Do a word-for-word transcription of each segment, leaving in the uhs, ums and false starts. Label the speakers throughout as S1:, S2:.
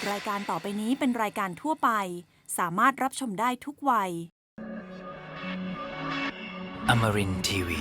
S1: รายการต่อไปนี้เป็นรายการทั่วไปสามารถรับชมได้ทุกวัย
S2: Amarin ที วี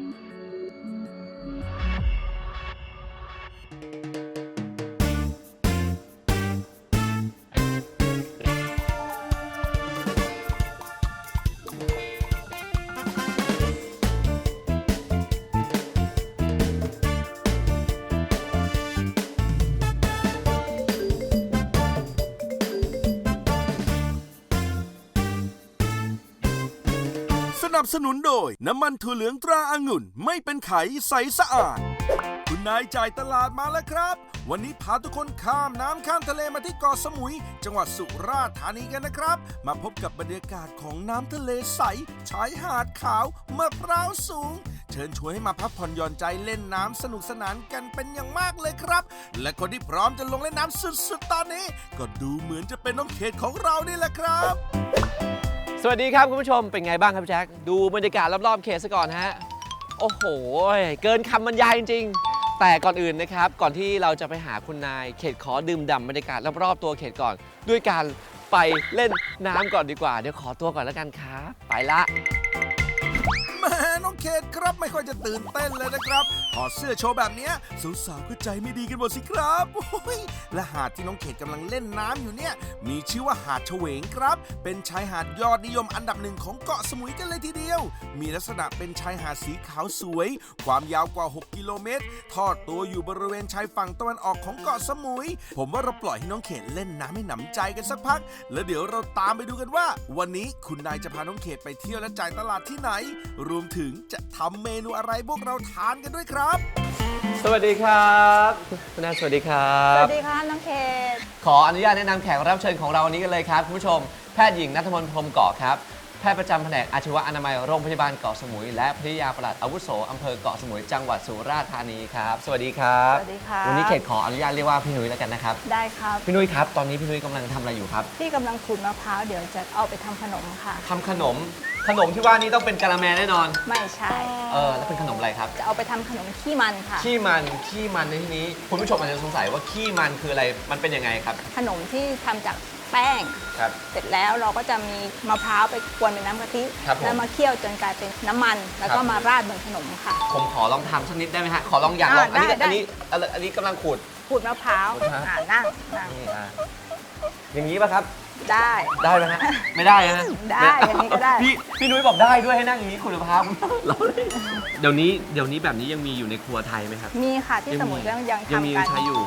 S3: สนับสนุนโดยน้ำมันถั่วเหลืองตราองุ่นไม่เป็นไขใสสะอาดคุณนายจ่ายตลาดมาแล้วครับวันนี้พาทุกคนข้ามน้ำข้ามทะเลมาที่เกาะสมุยจังหวัดสุราษฎร์ธานีกันนะครับมาพบกับบรรยากาศของน้ำทะเลใสชายหาดขาวมะพร้าวสูงเชิญชวนให้มาพักผ่อนหย่อนใจเล่นน้ำสนุกสนานกันเป็นอย่างมากเลยครับและคนที่พร้อมจะลงเล่นน้ำสุดๆตอนนี้ก็ดูเหมือนจะเป็นน้องเขตของเรานี่แหละครับ
S4: สวัสดีครับคุณผู้ชมเป็นไงบ้างครับแจ็คดูบรรยากาศรอบๆเขตซะก่อนฮะโอ้โหเกินคำบรรยายจริงๆแต่ก่อนอื่นนะครับก่อนที่เราจะไปหาคุณนายเขตขอดื่มด่ำบรรยากาศรอบๆตัวเขตก่อนด้วยการไปเล่นน้ำก่อนดีกว่าเดี๋ยวขอตัวก่อนแล้วกันครับไปละ
S3: แม่น้องเขตครับไม่ค่อยจะตื่นเต้นเลยนะครับถอดเสื้อโชว์แบบนี้สาวๆก็ใจไม่ดีกันหมดสิครับโอ้ยและหาดที่น้องเขตกำลังเล่นน้ำอยู่เนี่ยมีชื่อว่าหาดเฉวงครับเป็นชายหาดยอดนิยมอันดับหนึ่งของเกาะสมุยกันเลยทีเดียวมีลักษณะเป็นชายหาดสีขาวสวยความยาวกว่าหกกิโลเมตรทอดตัวอยู่บริเวณชายฝั่งตะวันออกของเกาะสมุยผมว่าเราปล่อยให้น้องเขตเล่นน้ำให้หนำใจกันสักพักแล้วเดี๋ยวเราตามไปดูกันว่าวันนี้คุณนายจะพาน้องเขตไปเที่ยวและจ่ายตลาดที่ไหนรวมถึงจะทำเมนูอะไรพวกเราทานกันด้วยครับ
S4: สวัสดีครับคุณนายสวัสดีครับ
S5: สวัสดีค่ะน้องเขต
S4: ขออนุญาตแนะนำแขกรับเชิญของเราวันนี้กันเลยครับคุณผู้ชมแพทย์หญิงณัฐมนต์พรหมเกาะครับแพทย์ประจำแผนกอาชีวะอนามัยโรงพยาบาลเกาะสมุยและภริยาปลัดอาวุโสอำเภอเกาะสมุยจังหวัดสุราษฎร์ธานีครับสวัสดีครับ
S5: สวัสดีค่ะ
S4: วันนี้เขตขออนุญาตเรียกว่าพี่นุ้ยแล้วกันนะครับ
S5: ได้ครับ
S4: พี่นุ้ยครับตอนนี้พี่นุ้ยกำลังทำอะไรอยู่ครับ
S5: พี่กำลังขูดมะพร้าวเดี๋ยวจะเอาไปทำขนมค่ะ
S4: ทำขนมขนมที่ว่านี้ต้องเป็นกะละแมแน่นอน
S5: ไม่ใช่
S4: เออแล้วเป็นขนมอะไรครับ
S5: จะเอาไปทำขนมขี้มันค่ะ
S4: ขี้มันขี้มันในที่นี้คุณผู้ชมอาจจะสงสัยว่าขี้มันคืออะไรมันเป็นยังไงครับ
S5: ขนมที่ทำจากแป้ง
S4: ครับ
S5: เสร็จแล้วเราก็จะมีมะพร้าวไปกวนเป็นน้ำกะทิ
S4: ครับผม
S5: แล้วมาเคี่ยวจนกลายเป็นน้ำมัน แล้วก็
S4: ครับ
S5: มาราดบนขนมค่ะ
S4: ผมขอลองทำสักนิดได้ไหมฮะขอลองอยากลอง
S5: อ่า
S4: อันนี้
S5: ได้
S4: อันนี้อันนี้อันนี้กำลังขูด
S5: ขูดมะพร้าว
S4: ขูดมะพร้าว
S5: อ่านั่งนั่ง
S4: นี่อ่ะอย่างนี้ป่ะครับ
S5: ได้
S4: ได้ไหมฮะไม่ได้ฮะ
S5: ได้อย่างนี้ก็ได้
S4: พี่พี่นุ้ยบอกได้ด้วยให้นั่งอย่างนี้ขูดมะพร้าวเราเลยเดี๋ยวนี้เดี๋ยวนี้แบบนี้ยังมีอยู่ในครัวไทยไหมครับ
S5: มีค่ะที่สมุยก็ยัง
S4: ยังมี
S5: ทำกัน
S4: ใช้อยู่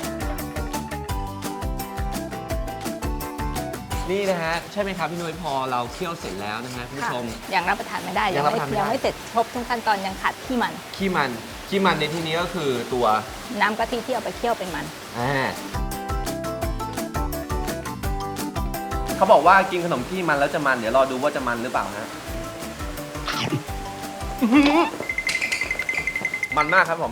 S4: นี่นะฮะใช่ไหมครับพี่นุ้ยพอเราเคี่ยวเสร็จแล้วนะฮะคุณผู้
S5: ค่ะ
S4: ชม
S5: ยังรับประทานไม่ได้
S4: ยังรับประทานไม่ได้
S5: ยังไม่เสร็จครบทุกขั้นตอนยังขาดขี้มัน
S4: ขี้มันขี้มันในที่นี้ก็คือตัว
S5: น้ำกะทิที่เอาไปเคี่ยวเป็นมัน
S4: อ่าเขาบอกว่ากินขนมขี้มันแล้วจะมันเดี๋ยวรอดูว่าจะมันหรือเปล่าฮะ มันมากครับผม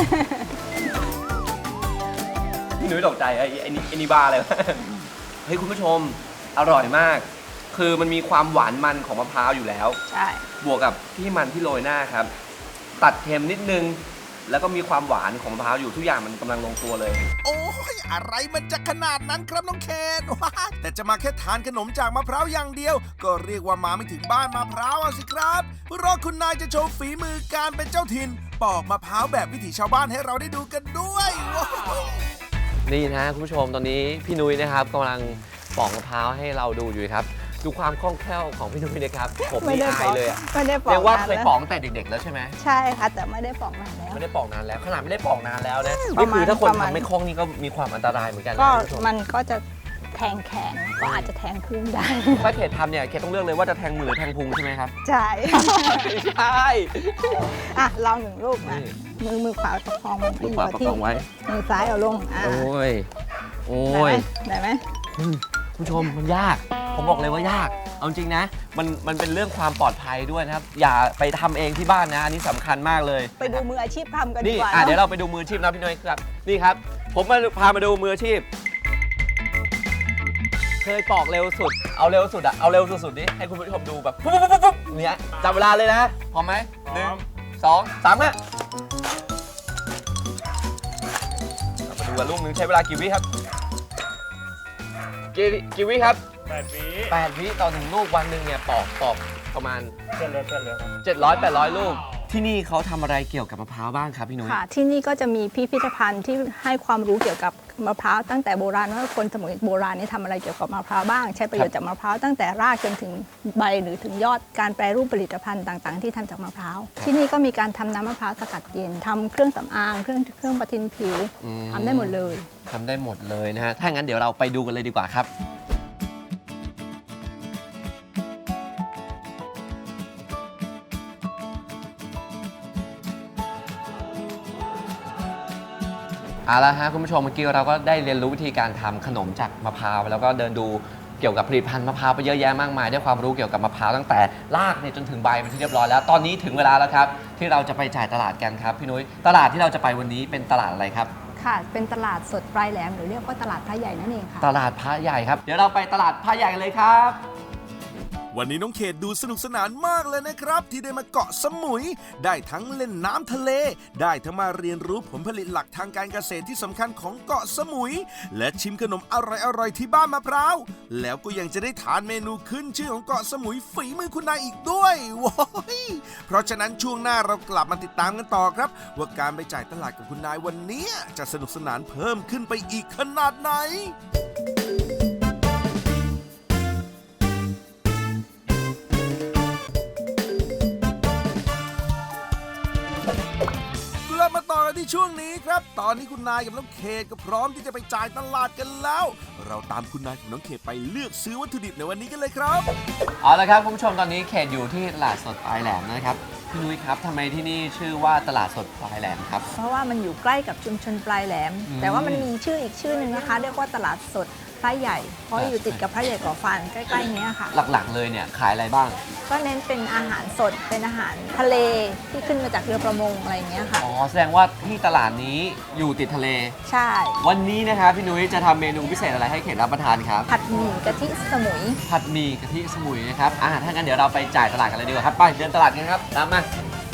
S4: พี่นุ้ยตกใจไอ้ไอ้นี่ไอ้นี่บ้าเลยวะ เฮ้ยคุณผู้ชมอร่อยมาก คือมันมีความหวานมันของมะพร้าวอยู่แล้ว
S5: ใช่
S4: บวกกับที่มันที่โรยหน้าครับ ตัดเค็มนิดนึง แล้วก็มีความหวานของมะพร้าวอยู่ทุกอย่างมันกำลังลงตัวเลย
S3: โอ้ยอะไรมันจะขนาดนั้นครับน้องเคนว้าแต่จะมาแค่ทานขนมจากมะพร้าวอย่างเดียว ก็เรียกว่ามาไม่ถึงบ้านมะพร้าวสิครับรอคุณนายจะโชว์ฝีมือการเป็นเจ้าถิ่นปอกมะพร้าวแบบวิถีชาวบ้านให้เราได้ดูกันด้วยว้าว
S4: นี่นะคุณผู้ชมตอนนี้พี่นุ้ยนะครับกำลังปอกมะพร้าวให้เราดูอยู่ครับดูความคล่องแคล่วของพี่นุ้ยนะครับผม
S5: ไม่
S4: นี่
S5: ได้
S4: อายเลยอะ
S5: ไม่ได้ปอก
S4: เรียกว่า
S5: นา
S4: เคน ย
S5: แล้ว
S4: ปอกตั้งแต่เด็กๆแล้วใช่ไหม
S5: ใช่ค่ะแต่ไม่ได้ปอกนานแล้ว
S4: ไม่ได้ปอกนานแล้วขนาดไม่ได้ปอกนานแล้วนะ
S5: ป
S4: นี่
S5: ระมาณ
S4: คือถ้าคน
S5: ประมาณ
S4: ทำไม่คล่องนี่ก็มีความอันตรายเหมือนกันนะ
S5: ก็
S4: คุณผู้ชม
S5: มันก็จะแทงแขนก็อาจจะแทงพุงได้
S4: ถ้าเขตทำเนี่ยเขตต้องเลือกเลยว่าจะแทงมือหรือแทงพุงใช่ไหมครับ
S5: ใช่
S4: ไม่ใช่
S5: อ่ะลองหนึ่งลูกนะ
S4: นี่
S5: มือมือขวาประคองมัน
S4: มือขวาประคองไว้
S5: มือซ้ายเอาลงอ่ะ
S4: โอ้ยโอ้
S5: ได้ไหม
S4: ย
S5: ได้ไหม
S4: อืมคุณผู้ชมมันยาก ผมบอกเลยว่ายาก เอาจริงนะ มันมันเป็นเรื่องความปลอดภัยด้วยนะครับ อย่าไปทำเองที่บ้านนะ อันนี้สำคัญมากเลย
S5: ไปดูมืออาชีพทำกันดี
S4: นี่
S5: กว่า
S4: อ่ะ
S5: นอะ
S4: เดี๋ยวเราไปดูมืออาชีพนะพี่น้อยครับ นี่ครับ ผมมาพามาดูมืออาชีพ เคยปอกเร็วสุด เอาเร็วสุดอะเอาเร็วสุดๆดิให้คุณผู้ชมดูแบบปุ๊บปุ๊บปุ๊บปุ๊บเนี่ยจับเวลาเลยนะ พร้อมไหมหนึ่งสองสามฮะเรามาดูกันลูกนึงใช้เวลากี่วิครับกี่กี่วิครับ
S6: แปดวิ
S4: แปดวิต่อหนึ่งลูกวันหนึ่งเนี่ยปอกปอกประมาณ
S6: เส้นเล็กเส้นเล็กครับ
S4: เจ็ดร้อย แปดร้อย ลูก ที่นี่เขาทำอะไรเกี่ยวกับมะพร้าวบ้างครับพี่นุ้ย
S5: ค่ะ ที่นี่ก็จะมีพิพิธภัณฑ์ที่ให้ความรู้เกี่ยวกับมะพร้าวตั้งแต่โบราณว่าคนสมัยโบราณนี่ทำอะไรเกี่ยวกับมะพร้าวบ้าง ใช้ประโยชน์จากมะพร้าวตั้งแต่รากจนถึงใบหรือถึงยอดการแปรรูปผลิตภัณฑ์ต่างๆ ที่ทำจากมะพร้าวที่นี่ก็มีการทำน้ำมะพร้าวสกัดเย็นทำเครื่องสำอางเครื่องเครื่องประทินผิว
S4: อืม
S5: ทำได้หมดเลย
S4: ทำได้หมดเลยนะฮะ ถ้างั้นเดี๋ยวเราไปดูกันเลยดีกว่าครับ เอาละฮะคุณผู้ชมเมื่อกี้เราก็ได้เรียนรู้วิธีการทำขนมจากมะพร้าวแล้วก็เดินดูเกี่ยวกับผลิตภัณฑ์มะพร้าวไปเยอะแยะมากมายได้ความรู้เกี่ยวกับมะพร้าวตั้งแต่รากเนี่ยจนถึงใบเป็นที่เรียบร้อยแล้วตอนนี้ถึงเวลาแล้วครับที่เราจะไปจ่ายตลาดกันครับพี่นุ้ยตลาดที่เราจะไปวันนี้เป็นตลาดอะไรครับ
S5: ค่ะ เป็นตลาดสดปลายแหลมหรือเรียกว่าตลาดพระใหญ่นั่นเองค่ะ
S4: ตลาดพระใหญ่ครับเดี๋ยวเราไปตลาดพระใหญ่กันเลยครับ
S3: วันนี้น้องเขตดูสนุกสนานมากเลยนะครับ ที่ได้มาเกาะสมุย ได้ทั้งเล่นน้ำทะเล ได้ทั้งมาเรียนรู้ผลผลิตหลักทางการเกษตรที่สำคัญของเกาะสมุย และชิมขนมอร่อยๆที่บ้านมะพร้าวแล้วก็ยังจะได้ทานเมนูขึ้นชื่อของเกาะสมุยฝีมือคุณนายอีกด้วยว้ายเพราะฉะนั้นช่วงหน้าเรากลับมาติดตามกันต่อครับ ว่าการไปจ่ายตลาดกับคุณนายวันนี้จะสนุกสนานเพิ่มขึ้นไปอีกขนาดไหน กลับมาต่อกันที่ช่วงนี้ครับ ตอนนี้คุณนายกับน้องเขตก็พร้อมที่จะไปจ่ายตลาดกันแล้ว เราตามคุณนายกับน้องเขตไปเลือกซื้อวัตถุดิบในวันนี้กันเลยครับ
S4: เอาละครับคุณผู้ชมตอนนี้เขตอยู่ที่ตลาดสดปลายแหลมนะครับพี่นุ้ยครับทำไมที่นี่ชื่อว่าตลาดสดปลายแหลมครับ
S5: เพราะว่ามันอยู่ใกล้กับชุมชนปลายแหลม
S4: อืม
S5: แต่ว่ามันมีชื่ออีกชื่อหนึ่งนะคะ เรียกว่าตลาดสดพระใหญ่ เพราะอยู่ติดกับพระใหญ่ก่อฟันใกล้ๆเนี้ยค่ะ
S4: หลักๆเลยเนี่ยขายอะไรบ้าง
S5: ก็เน้นเป็นอาหารสด เป็นอาหารทะเลที่ขึ้นมาจากเรือประมงอะไรอย่างเงี้ยค่ะ
S4: อ๋อแสดงว่าที่ตลาดนี้อยู่ติดทะเล
S5: ใช่
S4: วันนี้นะครับพี่นุ้ยจะทำเมนูพิเศษอะไรให้เขตรับประทานครับ
S5: ผัดหมี่กะทิสมุย
S4: ผัดหมี่กะทิสมุยนะครับอ่าถ้างั้นเดี๋ยวเราไปจ่ายตลาดกันเลยดีกว่าครับไปเดินตลาดกันครับตามมา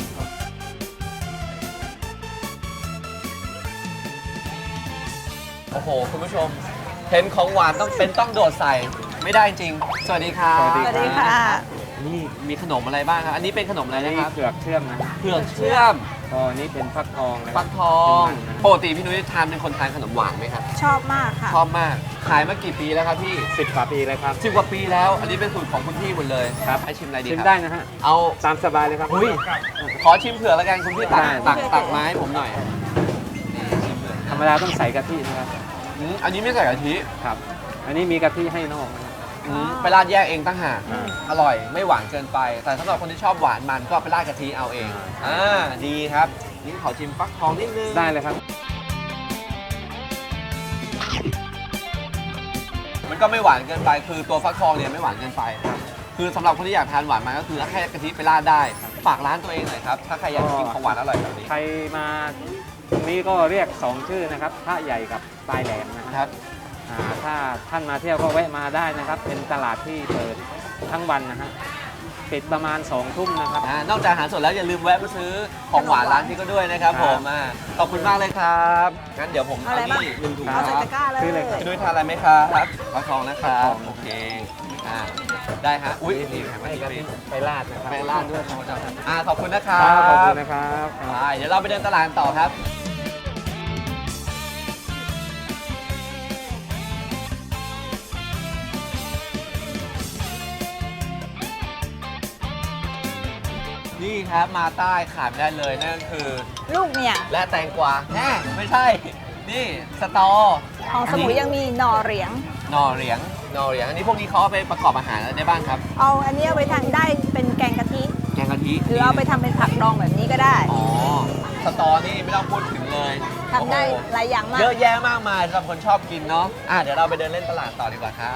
S4: โอ้โหคุณผู้ชมเห็นของหวานต้องเป็นต้องโดดใส่ไม่ได้จริงสวัสดีครับ
S6: สวัสดี
S5: สวัสดีค่ะ
S4: นี่มีขนมอะไรบ้างครับอันนี้เป็นขนมอะไร
S6: อัน
S4: นะ
S6: นี้
S4: ครับ
S6: เผือกเชื่อมนะ
S4: เผือกเชื่อม
S6: ก็อันนี้เป็นฟักทองนะค
S4: ฟั
S6: รับ
S4: กทอง
S6: เป็นมันนะ
S4: ปกติพี่นุ้ยทานเป็นคนทานขนมหวานไหมครับ
S5: ชอบมากค่ะ
S4: ชอบมากขายมากี่ปีแล้วครับพี่
S6: สิบกว่าปีเลยครับ
S4: สิบกว่าปีแล้ว อันนี้เป็นสูตรของคุณพี่หมดเลย
S6: ครับ
S4: ให้ชิมอะไรดี
S6: ชิม
S4: ครับ
S6: ได้นะฮะ
S4: เอา
S6: ตามสบายเลยครับ
S4: อุ้ยขอชิมเผือกแล้วกันคุณพี่ตัก
S6: ได้
S4: ตักตักไมาให้ผมหน่อยนี่ชิมเผือก
S6: ธรรมดาต้องใส่กะทินะครับ
S4: อืมอันนี้ไม่ใส่กะทิ
S6: ครับ อันนี้มีกะทิให้นอกนะครับ
S4: อืมไปราดแยกเองตั้งหาก
S6: อ่า
S4: อร่อยไม่หวานเกินไป แต่สำหรับคนที่ชอบหวานมันก็ไปราดกะทิเอาเองอ่าดีครับนี่ขอชิมฟักทองนิดนึง
S6: ได้เลยครับ
S4: มันก็ไม่หวานเกินไป คือตัวฟักทองเนี่ยไม่หวานเกินไปครับคือสำหรับคนที่อยากทานหวานมันก็คือแค่กะทิไปราดได้ฝากร้านตัวเองหน่อยครับถ้าใครอยากกินของหวานอร่อยแบบนี้
S6: ใครมาตรงนี้ก็เรียกสองชื่อนะครับพระใหญ่กับปลายแหลมนะค
S4: ครับ รับ
S6: อ่าถ้าท่านมาเที่ยวก็แวะมาได้นะครับ เป็นตลาดที่เปิดทั้งวันนะฮะปิดประมาณสองทุ่มนะครับ
S4: อ่านอกจากอาหารสดแล้วอย่าลืมแวะมาซื้อของหวานร้านนี้ก็ด้วยนะครับ
S6: ครับ
S4: ผมอ่าขอบคุณมากเลยครับงั้นเดี๋ยวผม
S5: เอาอะไรบ้าง
S4: นี่หนึ่งถุง
S6: ครั
S5: เอา
S6: บ
S5: ใส่ตะกร้าเลย
S6: ซื้อเลยครับ
S4: พี่นุ้ยทานอะไรไหมครับฟักทองนะครั
S6: ฟักท
S4: บ
S6: อง
S4: โอเคอ่าได้ฮะอุ้ยนี่แถม
S6: ให้
S4: ให้
S6: กะ
S4: ฟรี
S6: ทิไปราดนะครับ
S4: ไปราดด้วยครับอ่าขอบคุณนะครั
S6: ครับ
S4: บ
S6: ขอบคุณนะครับ
S4: ไปเดี๋ยวเราไปเดินตลาดต่อครับ นี่ครับมาใต้ขาดไม่ได้เลยนั่นก็คือ
S5: ลูกเนี่ย
S4: และแตงกวาแน่ไม่ใช่ นี่สตอ
S5: ของสมุยยังมีหน่อเหรียง
S4: หน่อเหรียงหน่อเหรียงอันนี้พวกนี้เขาเอาไปประกอบอาหารอะไรได้บ้างครับ
S5: เอาอันนี้เอาไปทำได้เป็นแกงกะทิ
S4: แกงกะทิ
S5: หรือเอาไปทำเป็นผักดองแบบนี้ก็ได้
S4: อ๋อสตอนี่ไม่ต้องพูดถึงเลย
S5: ทำได้
S4: โอ้โห
S5: หลายอย่างมาก
S4: เยอะแยะมากมายสำหรับคนชอบกินเนาะอ่ะเดี๋ยวเราไปเดินเล่นตลาดต่อดีกว่าครับ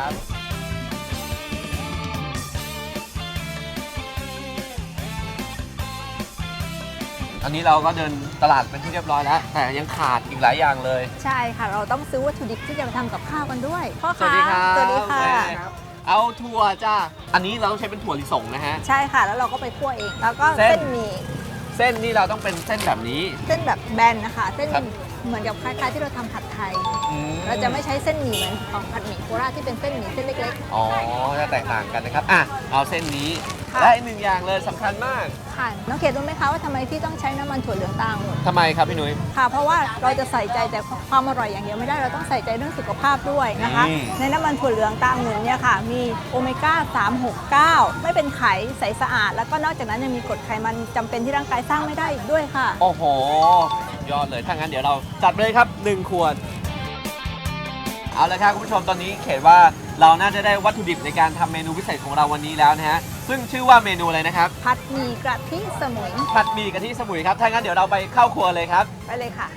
S4: อันนี้เราก็เดินตลาดเป็นที่เรียบร้อยแล้ว แต่ยังขาดอีกหลายอย่างเลย
S5: ใช่ค่ะ เราต้องซื้อวัตถุดิบที่จะมาทำกับข้าวกันด้วยพ่อ
S4: สวั
S5: ค้า
S4: สดีครับ
S5: สวัสดีค่ะ
S4: แม่เอาถั่วจ้าอันนี้เราต้องใช้เป็นถั่วลิสงนะฮะ
S5: ใช่ค่ะ แล้วเราก็ไปคั่วเอง แล้วก็
S4: เส้น
S5: เส้นหมี่
S4: เส้นนี่เราต้องเป็นเส้นแบบนี้
S5: เส้นแบบแบนนะคะ เส้น
S4: ครับ
S5: เหมือนกับคล้ายๆที่เราทำผัดไทย
S4: อืม
S5: เราจะไม่ใช้เส้นหมี่เหมือนของผัดหมี่โคราชที่เป็นเส้นหมี่เส้นเล็ก
S4: อ๋อจะแตกต่างกันนะครับอ่ะเอาเส้นนี้
S5: ค่ะ
S4: และอีกหนึ่งอย่างเลยสำคัญมาก
S5: ๆค่ะน้องเขตรู้ไหมคะว่าทำไมพี่ต้องใช้น้ำมันถั่วเหลืองตาองุ่น
S4: ทำไมครับพี่นุ้ย
S5: ค่ะเพราะว่าเราจะใส่ใจแต่ความอร่อยอย่างเดียวไม่ได้เราต้องใส่ใจเรื่องสุขภาพด้วยนะคะ
S4: อืม
S5: ในน้ำมันถั่วเหลืองตาองุ่นเนี่ยค่ะมีโอเมก้าสาม หก เก้าไม่เป็นไขใสสะอาด แล้วก็นอกจากนั้นยังมีกรดไขมันจำเป็นที่ร่างกายสร้างไม่ได้อีกด้วยค่ะ
S4: โอ้โหยอดเลยถ้างั้นเดี๋ยวเราจัดไปเลยครับหนึ่งขวดเอาละครับคุณผู้ชมตอนนี้เขตว่าเราน่าจะได้วัตถุดิบในการทำเมนูพิเศษของเราวันนี้แล้วนะฮะซึ่งชื่อว่าเมนูอะไรนะครับ
S5: ผัดหมี่กระทิสมุย
S4: ผัดหมี่กะทิสมุยครับถ้างั้นเดี๋ยวเราไปเข้าครัวเลยครับ
S5: ไปเลยค่ะ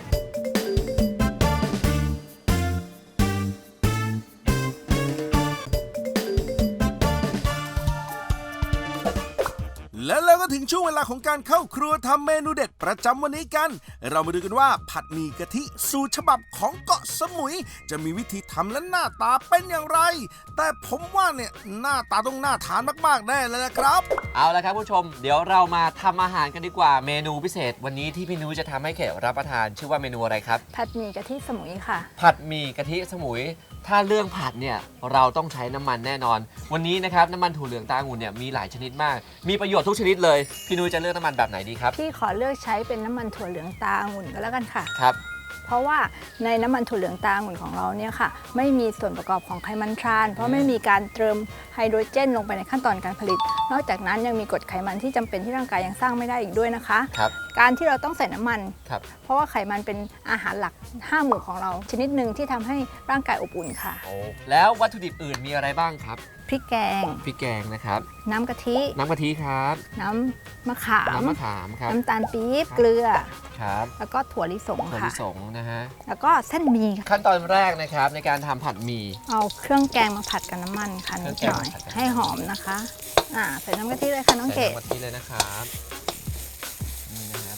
S3: แล้วเราก็ถึงช่วงเวลาของการเข้าครัวทำเมนูเด็ดประจำวันนี้กัน เรามาดูกันว่าผัดหมี่กะทิสูตรฉบับของเกาะสมุย จะมีวิธีทำและหน้าตาเป็นอย่างไร แต่ผมว่าเนี่ยหน้าตาต้องน่าทานมากๆแน่เลยนะครับ
S4: เอาละครับผู้ชม เดี๋ยวเรามาทำอาหารกันดีกว่าเมนูพิเศษ วันนี้ที่พี่นุ้ยจะทำให้เขตรับประทานชื่อว่าเมนูอะไรครับ
S5: ผัดหมี่กะทิสมุยค่ะ
S4: ผัดหมี่กะทิสมุย ถ้าเรื่องผัดเนี่ยเราต้องใช้น้ำมันแน่นอน วันนี้นะครับน้ำมันถั่วเหลืองตาองุ่นเนี่ยมีหลายชนิดมาก มีประโยชน์ทุกชนิดเลยพี่นุ้ยจะเลือกน้ำมันแบบไหนดีครับ
S5: พี่ขอเลือกใช้เป็นน้ำมันถั่วเหลืองตาองุ่นก็แล้วกันค่ะ
S4: ครับ
S5: เพราะว่าในน้ำมันถั่วเหลืองตาองุ่นของเราเนี่ยค่ะไม่มีส่วนประกอบของไขมันทราน เพราะไม่มีการเติมไฮโดรเจนลงไปในขั้นตอนการผลิต นอกจากนั้นยังมีกรดไขมันที่จำเป็นที่ร่างกายยังสร้างไม่ได้อีกด้วยนะคะ
S4: ครับ
S5: การที่เราต้องใส่น้ำมัน
S4: ครับ
S5: เพราะว่าไขมันเป็นอาหารหลักห้าหมู่ของเรา ชนิดหนึ่งที่ทำให้ร่างกายอบอุ่นค่ะ
S4: โอ้แล้ววัตถุดิบอื่นมีอะไรบ้างครับ
S5: พริกแกง
S4: พริกแกงนะครับ
S5: น้ำกะทิ
S4: น้ำกะทิครับ
S5: น้ำมะขาม
S4: น้ำมะขามครับ
S5: น้ำตาลปี๊บเกลือ
S4: ครับ
S5: แล้วก็ถั่วลิสง
S4: ถั่ว
S5: ค่ะ
S4: ลิสงนะฮะ
S5: แล้วก็เส้นหมี่ค่ะ
S4: ขั้นตอนแรกนะครับในการทำผัดหมี่
S5: เอาเครื่องแกงมาผัดกับน้ำมันค่ะนิดหน่อย
S4: เครื่องแกงมาผัดกับ
S5: ให้หอมนะคะอ่าใส่น้ำกะทิเลยค่ะน้อง
S4: ใส่
S5: เกด
S4: น้ำกะทิเลยนะครับนี่นะครับ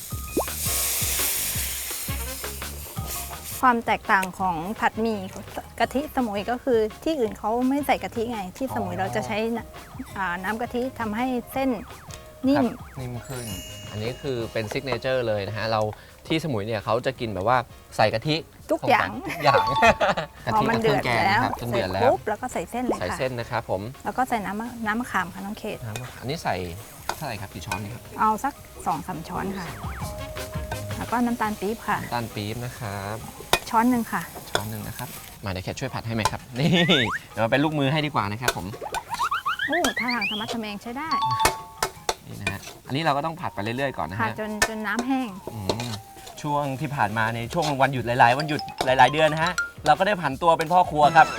S5: ความแตกต่างของผัดหมี่กะทิสมุยก็คือที่อื่นเขาไม่ใส่กะทิไง ที่สมุยเราจะใช้น้ำอ่าน้ำกะทิทำให้เส้นนิ่
S4: ค
S5: ม
S4: รับนิ่มขึ้น อันนี้คือเป็นซิกเนเจอร์เลยนะฮะ เราที่สมุยเนี่ยเขาจะกินแบบว่าใส่กะทิ
S5: ทุกอย่าง
S4: ทุกอย่าง
S5: พอมันเดือด
S4: กะทิกับครื่งกง
S5: แล้ว
S4: นะครับจน
S5: เสร็
S4: เดื
S5: จ
S4: อดแล้ว
S5: ปุ๊บแล้วก็ใส่เส้นเลย
S4: ใส่
S5: ค่ะ
S4: เส้นนะครับผม
S5: แล้วก็ใส่น้ำมะน้ำมะขามค่ะน้องเขต
S4: น้ำอันนี้ใส่เท่าไหร่ครับกี่ช้อนนี่ครับ
S5: เอาสักสองสามช้อนค่ะ แล้วก็น้ำตาลปี๊บค่ะ
S4: น้ำตาลปี๊บนะครับ
S5: ช้อนหนึ่งค่ะ
S4: ช้อนหนึ่งนะครับ มาเดี๋ยวแคทช่วยผัดให้ไหมครับ นี่ เดี๋ยวมาเป็นลูกมือให้ดีกว่านะครับผม
S5: โอ้ท่าทางธรรมะทะแมงใช้ได้
S4: นี่นะฮะ อันนี้เราก็ต้องผัดไปเรื่อยๆก่อนนะ
S5: ค่ะ
S4: ฮะ
S5: จนจนน้ำแห้ง
S4: อืมช่วงที่ผ่านมาในช่วงวันหยุดหลาย ๆ วันหยุดหลาย ๆ เดือนนะฮะ เราก็ได้ผันตัวเป็นพ่อครัวครับ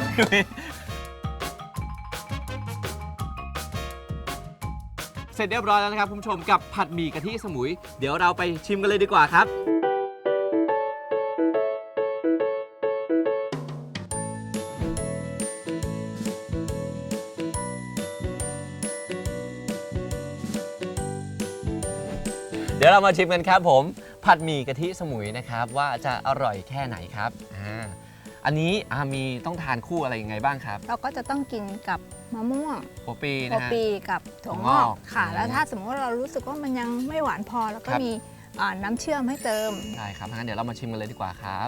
S4: เสร็จเรียบร้อยแล้วนะครับคุณผู้ชมกับผัดหมี่กะทิสมุย เดี๋ยวเราไปชิมกันเลยดีกว่าครับ เดี๋ยวเรามาชิมกันครับผมผัดหมี่กะทิสมุยนะครับว่าจะอร่อยแค่ไหนครับอ่าอันนี้อามีต้องทานคู่อะไรยังไงบ้างครับ
S5: เราก็จะต้องกินกับมะม่วง
S4: หัวปี
S5: โอ
S4: นะฮะ
S5: ปีกับถั่วง
S4: ถั่วง
S5: อ
S4: อก
S5: กค่ะ
S4: อืม
S5: แล้วถ้าสมมติว่าเรารู้สึกว่ามันยังไม่หวานพอแล้วก็
S4: ครับ
S5: มีอ่าน้ำเชื่อมให้เติม
S4: ได้ครับงั้นเดี๋ยวเรามาชิมกันเลยดีกว่าครับ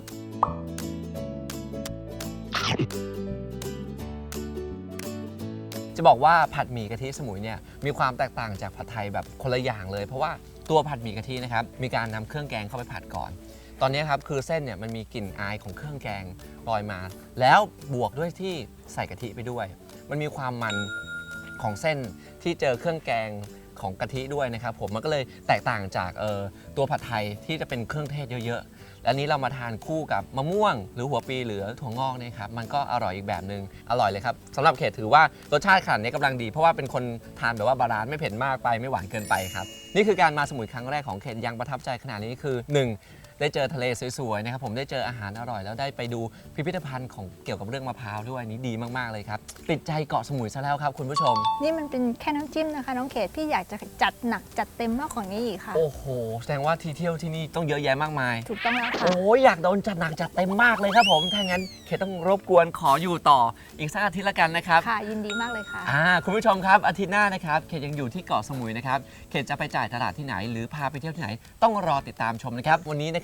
S4: จะบอกว่าผัดหมี่กะทิสมุยเนี่ยมีความแตกต่างจากผัดไทยแบบคนละอย่างเลย เพราะว่าตัวผัดหมี่กะทินะครับมีการนำเครื่องแกงเข้าไปผัดก่อน ตอนนี้ครับคือเส้นเนี่ยมันมีกลิ่นอายของเครื่องแกงลอยมา แล้วบวกด้วยที่ใส่กะทิไปด้วย มันมีความมันของเส้นที่เจอเครื่องแกงของกะทิด้วยนะครับผมมันก็เลยแตกต่างจากเอ่อตัวผัดไทยที่จะเป็นเครื่องเทศเยอะๆ และนี้เรามาทานคู่กับมะม่วง หรือหัวปีหรือถั่วงอกเนี่ยครับมันก็อร่อยอีกแบบหนึ่งอร่อยเลยครับสำหรับเขตถือว่ารสชาติขนาดนี้กำลังดี เพราะว่าเป็นคนทานแบบว่าบาลานซ์ไม่เผ็ดมากไปไม่หวานเกินไปครับนี่คือการมาสมุยครั้งแรกของเขตยังประทับใจขนาดนี้คือหนึ่งได้เจอทะเลสวยๆนะครับผมได้เจออาหารอร่อยแล้วได้ไปดูพิพิธภัณฑ์ของเกี่ยวกับเรื่องมะพร้าวด้วยนี่ดีมากๆเลยครับติดใจเกาะสมุยซะแล้วครับคุณผู้ชม
S5: นี่มันเป็นแค่น้ำจิ้มนะคะน้องเขตพี่อยากจะจัดหนักจัดเต็มมากกว่านี้อีกค่ะ
S4: โอ้โหแสดงว่าที่เที่ยวที่นี่ต้องเยอะแยะมากมาย
S5: ถูกต้องแล้วค่ะ
S4: โอ้ยอยากโดนจัดหนักจัดเต็มมากเลยครับผมถ้างั้นเขตต้องรบกวนขออยู่ต่ออีกสักอาทิตย์ละกันนะครับ
S5: ค่ะยินดีมากเลยค่ะ
S4: อ่าคุณผู้ชมครับอาทิตย์หน้านะครับเขตยังอยู่ที่เกาะสมุยนะครับเขตจะไปจ่ายตลาดที่ไหน หรือพาไปเที่ยวที่ไหน ต้องรอติดตามชมนะครับวันนี้นะครับ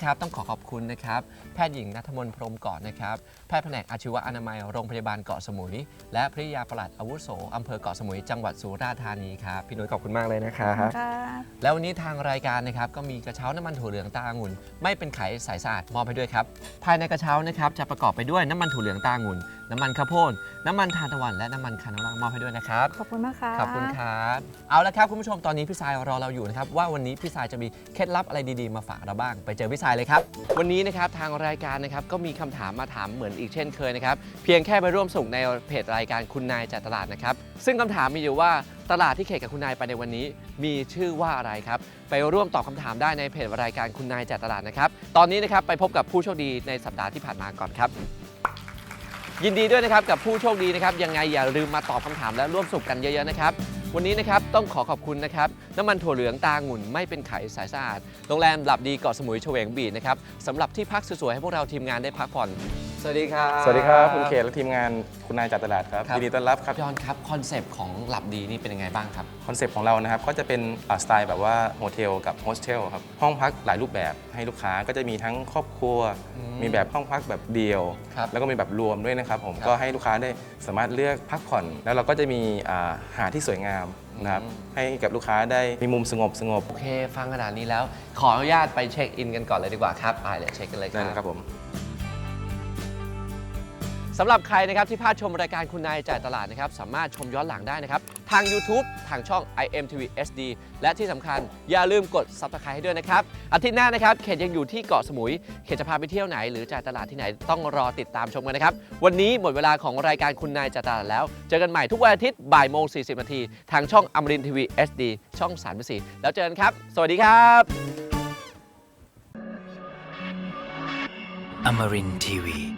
S4: นะครับต้องขอขอบคุณนะครับแพทย์หญิงณัฐมนต์พรหมเกาะนะครับแพทย์แผนกอาชีวอนามัยโรงพยาบาลเกาะสมุยและภริยาปลัดอาวุโสอำเภอเกาะสมุยจังหวัดสุราษฎร์ธานีครับพี่นุ้ยขอบคุณมากเลยนะครับ
S5: ค่ะ
S4: แล้ววันนี้ทางรายการนะครับก็มีกระเช้าน้ำมันถั่วเหลืองตาองุ่นไม่เป็นไขใสสะอาดมอบให้ด้วยครับภายในกระเช้านะครับจะประกอบไปด้วยน้ำมันถั่วเหลืองตาองุ่นน้ำมันข้าวโพดน้ำมันทานตะวันและน้ำมันคาโนล่ามอบให้ด้วยนะครับ
S5: ขอบคุณมากค่ะ
S4: ขอบคุณครับเอาละครับคุณผู้ชมตอนนี้พี่สายรอเราอยู่นะครับว่าวันนี้พี่สายจะมีเคล็ดลับอะไรดีๆมาฝากเราบ้างไปเจอพี่สายเลยครับวันนี้นะครับทางรายการนะครับก็มีคำถามมาถามเหมือนอีกเช่นเคยนะครับเพียงแค่ไปร่วมส่งในเพจรายการคุณนายจากตลาดนะครับซึ่งคำถามมีอยู่ว่าตลาดที่เขตกับคุณนายไปในวันนี้มีชื่อว่าอะไรครับไปร่วมตอบคำถามได้ในเพจรายการคุณนายจากตลาดนะครับตอนนี้นะครับไปพบกับผู้โชคดีในสัปดาห์ที่ผ่านมาก่อนครับยินดีด้วยนะครับกับผู้โชคดีนะครับยังไงอย่าลืมมาตอบคำถามและร่วมสนุกกันเยอะๆนะครับวันนี้นะครับต้องขอขอบคุณนะครับน้ำมันถั่วเหลืองตาองุ่นไม่เป็นไขใสสะอาดโรงแรมหลับดีเกาะสมุยเฉวงบีชนะครับสำหรับที่พักสวยๆให้พวกเราทีมงานได้พักผ่อนสวัสดีครับ
S7: สวัสดีครับคุณเขตและทีมงานคุณนายจากตลาดครับ
S4: ครับ
S7: ยินดีต้อนรับครับ
S4: ย้อนครับคอนเซปต์ของหลับดีนี่เป็นยังไงบ้างครับ
S7: คอนเซปต์ของเรานะครับก็จะเป็นอ่าสไตล์แบบว่าโฮเทลกับโฮสเทลครับห้องพักหลายรูปแบบให้ลูกค้าก็จะมีทั้งครอบครัว
S4: อืม
S7: มีแบบห้องพักแบบเดียว
S4: ครับ
S7: แล้วก็มีแบบรวมด้วยนะครับผม
S4: ครับ
S7: ก็ให้ลูกค้าได้สามารถเลือกพักผ่อน แล้วเราก็จะมีอ่าหาดที่สวยงามนะครับ
S4: อืม
S7: ให้กับลูกค้าได้มีมุมสงบสงบ
S4: โอเคฟังขนาดนี้แล้วขออนุญาตไปเช็คอินกันก่อนเลยดีกว่าครับไปเลยเช็คกันเลยค
S7: นั่น
S4: รับ
S7: ครับผม
S4: สำหรับใครนะครับที่พลาดชมรายการคุณนายจ่ายตลาดนะครับสามารถชมย้อนหลังได้นะครับทาง YouTube ทางช่อง ไอ เอ็ม ที วี เอช ดี และที่สำคัญอย่าลืมกด Subscribe ให้ด้วยนะครับอาทิตย์หน้านะครับเขตยังอยู่ที่เกาะสมุยเขตจะพาไปเที่ยวไหนหรือจ่ายตลาดที่ไหนต้องรอติดตามชมกันนะครับวันนี้หมดเวลาของรายการคุณนายจ่ายตลาดแล้วเจอกันใหม่ทุกวันอาทิตย์บ่ายโมงสี่สิบนาทีทางช่องอมรินทร์ทีวี เอช ดี ช่องสามสิบสี่แล้วเจอกันครับสวัสดีครับ
S2: Amarin Tiwi.